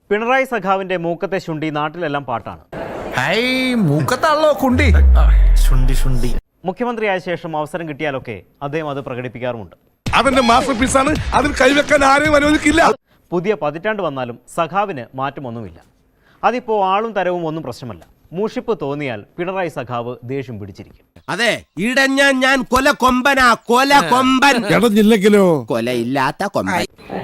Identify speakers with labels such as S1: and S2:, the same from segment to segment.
S1: പിണറായി സഖാവിന്റെ മൂക്കത്തെ ശുണ്ടി നാട്ടിലെല്ലാം പാട്ടാണ്. മുഖ്യമന്ത്രിയായ ശേഷം അവസരം കിട്ടിയാലൊക്കെ അദ്ദേഹം അത് പ്രകടിപ്പിക്കാറുമുണ്ട്.
S2: അവന്റെ മാസ്റ്റർ പീസാണ്, അതിൽ കൈവെക്കാൻ ആരെയും അനുവദിക്കില്ല.
S1: പുതിയ പതിറ്റാണ്ട് വന്നാലും സഖാവിന് മാറ്റമൊന്നുമില്ല. അതിപ്പോ ആളും തരവും ഒന്നും പ്രശ്നമല്ല. മൂഷിപ്പ് തോന്നിയാൽ പിണറായി സഖാവ് ദേഷ്യം പിടിച്ചിരിക്കും.
S3: അതെ, ഇടഞ്ഞ ഞാൻ കൊല കൊമ്പനാ, കൊല കൊമ്പൻ.
S2: ഇടഞ്ഞില്ലെങ്കിലോ
S3: കൊലയില്ലാത്ത കൊമ്പൻ.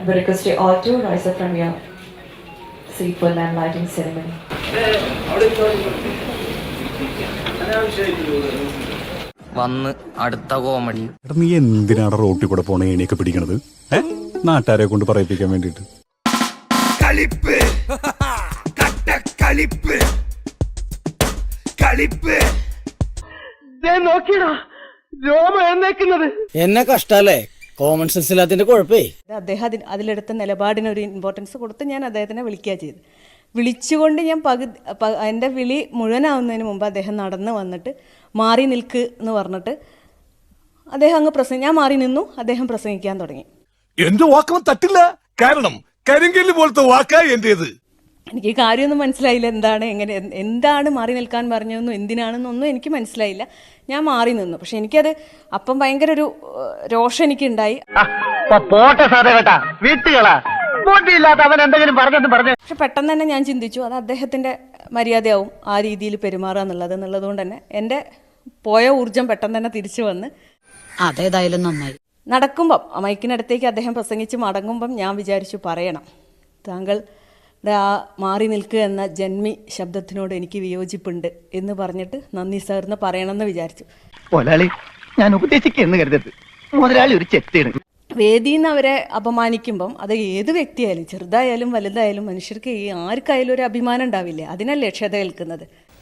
S4: വന്ന് അടുത്ത കോമഡി.
S5: നീ എന്തിനാണ് റോട്ടിൽ കൂടെ പോണ ഏണിയൊക്കെ പിടിക്കണത്? നാട്ടുകാരെ കൊണ്ട് പറയിപ്പിക്കാൻ വേണ്ടിട്ട്.
S2: കളിപ്പ് കളിപ്പ് കളിപ്പ്
S6: എന്നെ കഷ്ടല്ലേ, കോമൺ സെൻസ് ഇല്ലാത്തതിന്റെ കുഴപ്പേ.
S7: അദ്ദേഹം അതിലെടുത്ത നിലപാടിന് ഒരു ഇമ്പോർട്ടൻസ് കൊടുത്ത് ഞാൻ അദ്ദേഹത്തിനെ വിളിക്കുക ചെയ്തു. വിളിച്ചുകൊണ്ട് ഞാൻ എൻ്റെ വിളി മുഴുവനാവുന്നതിന് മുമ്പ് അദ്ദേഹം നടന്ന് വന്നിട്ട് മാറി നിൽക്ക് എന്ന് പറഞ്ഞിട്ട് അദ്ദേഹം അങ്ങ് ഞാൻ മാറി നിന്നു. അദ്ദേഹം പ്രസംഗിക്കാൻ തുടങ്ങി.
S2: എന്റെ വാക്കവൻ തട്ടില്ല, കാരണം കരിങ്കല്ല് പോലത്തെ വാക്കാ എന്റേത്.
S7: എനിക്ക് കാര്യമൊന്നും മനസ്സിലായില്ല. എന്താണ് മാറി നിൽക്കാൻ പറഞ്ഞതെന്നും എന്തിനാണെന്നൊന്നും എനിക്ക് മനസ്സിലായില്ല. ഞാൻ മാറി നിന്നു. പക്ഷെ എനിക്കത് അപ്പം ഭയങ്കര ഒരു രോഷം എനിക്കുണ്ടായി. പക്ഷെ പെട്ടെന്ന് തന്നെ ഞാൻ ചിന്തിച്ചു, അത് അദ്ദേഹത്തിന്റെ മര്യാദയാവും ആ രീതിയിൽ പെരുമാറുക എന്നുള്ളതുകൊണ്ട് തന്നെ എൻ്റെ പോയ ഊർജം പെട്ടെന്ന് തന്നെ തിരിച്ചു വന്ന്
S8: അതേതായാലും നന്നായി.
S7: നടക്കുമ്പം മൈക്കിനടുത്തേക്ക് അദ്ദേഹം പ്രസംഗിച്ച് മടങ്ങുമ്പം ഞാൻ വിചാരിച്ചു, പറയണം, താങ്കളുടെ ആ മാറി നിൽക്കുക എന്ന ജന്മി ശബ്ദത്തിനോട് എനിക്ക് വിയോജിപ്പുണ്ട് എന്ന് പറഞ്ഞിട്ട് നന്ദി സാറിന് പറയണമെന്ന് വിചാരിച്ചു.
S9: ഞാൻ ഉപദേശിക്കുന്നു കരുതരുത്, മുതലാളി ഒരു ചെറ്റാണ്.
S7: വേദിയിൽ നിന്ന് അവരെ അപമാനിക്കുമ്പം അത് ഏത് വ്യക്തിയായാലും ചെറുതായാലും വലുതായാലും മനുഷ്യർക്ക് ആർക്കായാലും ഒരു അഭിമാനം ഉണ്ടാവില്ലേ? അതിനല്ലേ ക്ഷത കേൾക്കുന്നത്.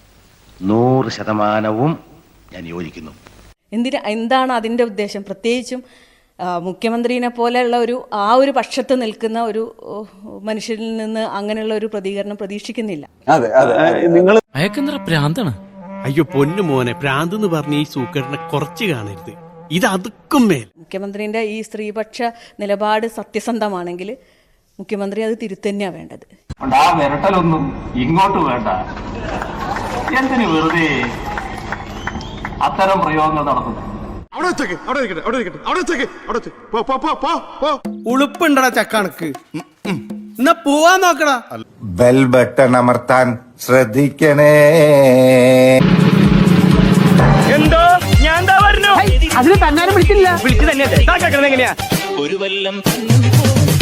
S9: 100% ഞാൻ യോജിക്കുന്നു.
S7: എന്താണ് അതിൻ്റെ ഉദ്ദേശം? പ്രത്യേകിച്ചും മുഖ്യമന്ത്രിനെ പോലെയുള്ള ഒരു പക്ഷത്ത് നിൽക്കുന്ന ഒരു മനുഷ്യരിൽ നിന്ന് അങ്ങനെയുള്ള ഒരു പ്രതികരണം പ്രതീക്ഷിക്കുന്നില്ല.
S4: അയക്കെന്തറ പ്രാന്താണ്.
S3: അയ്യോ പൊന്നു മോനെ, പ്രാന്ത് എന്ന് പറഞ്ഞ ഈ സൂക്കറിനെ കുറച്ച് കാണരുത്. ഇത് അതുക്കും മേൽ.
S7: മുഖ്യമന്ത്രിന്റെ ഈ സ്ത്രീപക്ഷ നിലപാട് സത്യസന്ധമാണെങ്കിൽ മുഖ്യമന്ത്രി അത് തിരുത്തന്നെയാണ് വേണ്ടത്.
S9: ആ വിരട്ടലൊന്നും ഇങ്ങോട്ട് വേണ്ട. എന്തിനു വെറുതെ അത്തരം പ്രയോഗങ്ങൾ നടത്തുന്നു?
S3: ഉളുപ്പുണ്ടടാ ചക്കണക്ക്. എന്നാ പോവാൻ നോക്കടാ.
S10: ബെൽ ബട്ടൺ അമർത്താൻ ശ്രദ്ധിക്കണേ.
S3: എന്തോ ഞാൻ അതിന് തന്നാലും വിളിച്ചില്ല. വിളിച്ചു തന്നെ എങ്ങനെയാ
S4: ഒരു വല്ലം